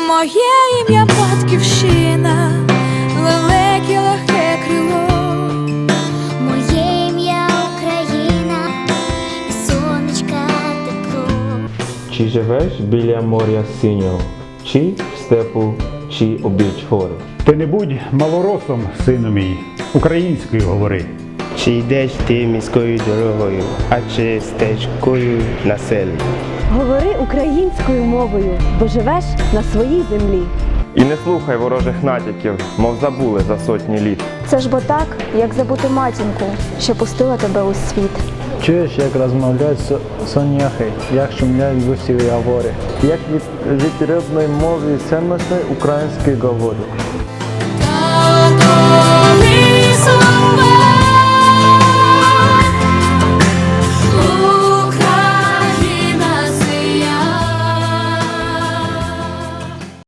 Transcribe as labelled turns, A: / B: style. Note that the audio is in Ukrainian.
A: Моє ім'я Батьківщина, велике легке крило.
B: Моє ім'я Україна, і сонечка тепло.
C: Чи живеш біля моря синього, чи в степу, чи обіч гори?
D: Ти не будь малоросом, сину мій, українською говори.
E: Чи йдеш ти міською дорогою, а чи стежкою на селі?
F: Говори українською мовою, бо живеш на своїй землі.
G: І не слухай ворожих натяків, мов забули за сотні літ.
H: Це ж бо так, як забути матінку, що пустила тебе у світ.
I: Чуєш, як розмовляють соняхи, як шумлять гусеві говори, як від рідної мови цінності української говорю.